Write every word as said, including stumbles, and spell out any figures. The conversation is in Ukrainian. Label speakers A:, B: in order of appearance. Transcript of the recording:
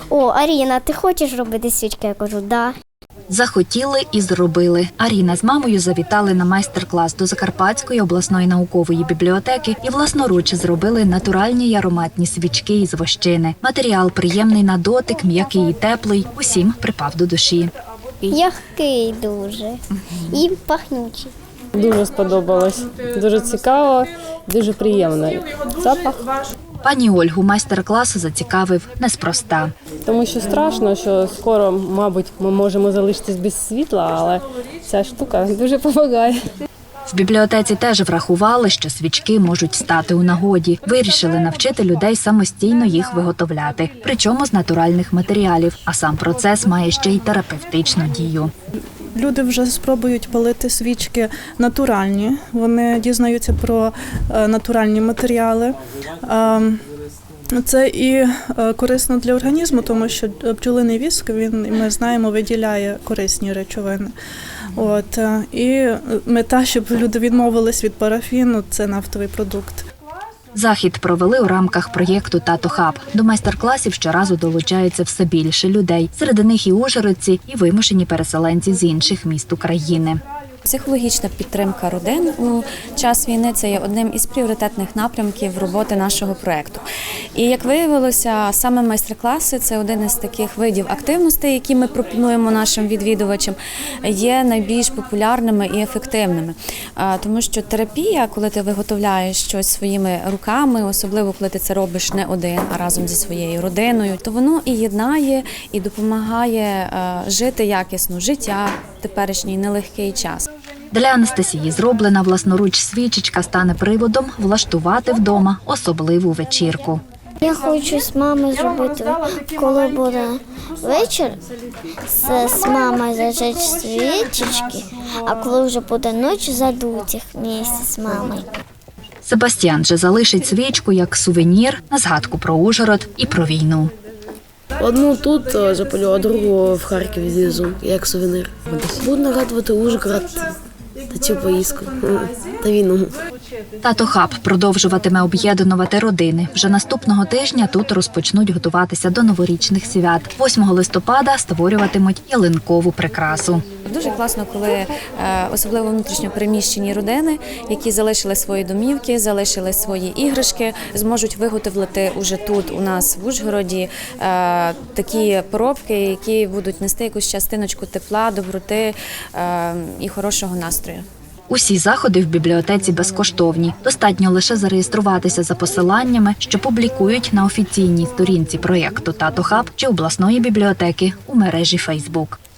A: о, Аріна, ти хочеш робити свічки? Я кажу, да.
B: Захотіли і зробили. Аріна з мамою завітали на майстер-клас до Закарпатської обласної наукової бібліотеки і власноруч зробили натуральні й ароматні свічки із вощини. Матеріал приємний на дотик, м'який і теплий, усім припав до душі.
A: М'який дуже і пахнючий.
C: Дуже сподобалось. Дуже цікаво, дуже приємний запах.
B: Пані Ольгу майстер-клас зацікавив неспроста.
C: Тому що страшно, що скоро, мабуть, ми можемо залишитись без світла, але ця штука дуже допомагає.
B: В бібліотеці теж врахували, що свічки можуть стати у нагоді. Вирішили навчити людей самостійно їх виготовляти, причому з натуральних матеріалів, а сам процес має ще й терапевтичну дію.
D: Люди вже спробують палити свічки натуральні, вони дізнаються про натуральні матеріали. Це і корисно для організму, тому що бджолиний віск, він, ми знаємо, виділяє корисні речовини. От, і мета, щоб люди відмовились від парафіну, це нафтовий продукт.
B: Захід провели у рамках проєкту «Тато Хаб». До майстер-класів щоразу долучається все більше людей. Серед них і ужгородці, і вимушені переселенці з інших міст України.
E: Психологічна підтримка родин у час війни – це є одним із пріоритетних напрямків роботи нашого проєкту. І, як виявилося, саме майстер-класи – це один із таких видів активностей, які ми пропонуємо нашим відвідувачам, є найбільш популярними і ефективними. Тому що терапія, коли ти виготовляєш щось своїми руками, особливо коли ти це робиш не один, а разом зі своєю родиною, то воно і єднає, і допомагає жити якісно життя в теперішній нелегкий час.
B: Для Анастасії зроблена власноруч свічечка стане приводом влаштувати вдома особливу вечірку.
A: Я хочу з мамою зробити, коли буде вечір, з, з мамою зажечь свічечки, а коли вже буде ніч, задуть їх місце з мамою.
B: Себастьян же залишить свічку як сувенір на згадку про Ужгород і про війну.
F: Одну тут запалю, а другу в Харкові з'їзу, як сувенир. Буду нагадувати Ужгород та цю поїздку, та війну.
B: «Тато Хаб» продовжуватиме об'єднувати родини. Вже наступного тижня тут розпочнуть готуватися до новорічних свят. восьмого листопада створюватимуть ялинкову прикрасу.
E: Дуже класно, коли особливо внутрішньо переміщені родини, які залишили свої домівки, залишили свої іграшки, зможуть виготовити уже тут у нас в Ужгороді такі поробки, які будуть нести якусь частиночку тепла, доброти і хорошого настрою.
B: Усі заходи в бібліотеці безкоштовні. Достатньо лише зареєструватися за посиланнями, що публікують на офіційній сторінці проєкту «Тато Хаб» чи обласної бібліотеки у мережі Фейсбук.